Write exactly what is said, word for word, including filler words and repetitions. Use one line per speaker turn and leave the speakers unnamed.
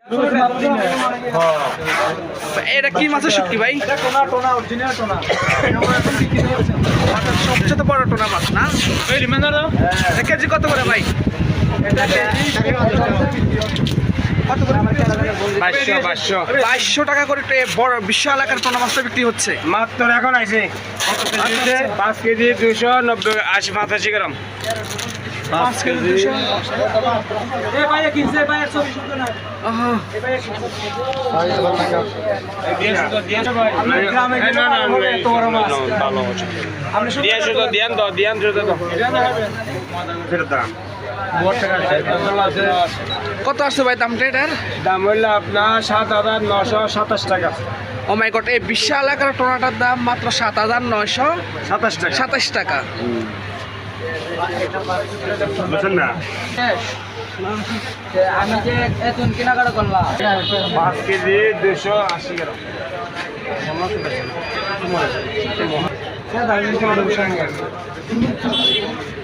এটা কি মাছের শুটকি ভাই? সবচেয়ে বড় টোনা মাছ না? কেজি কত করে ভাই? বাইশশো টাকা করে বড় বিশাল আকার টোনা মাছটা বিক্রি হচ্ছে
মাত্র এখন আইছে পাঁচ কেজি দুশো নব্বই আশি পঁচাশি গ্রাম
পাঁচ কেজি দুশো কত আসছে ভাই দামটা এটার?
দাম হইলো আপনার সাত হাজার নশো সাতাশ টাকা।
ও মাই গড, এই বিশাল আকার টোনাটার দাম মাত্র সাত হাজার নয়শো
সাতাশ টাকা
সাতাশ টাকা।
বুঝছেন না?
আমি যে এখন কেনাকাটা করলাম
পাঁচ কেজি দুশো আশি গ্রাম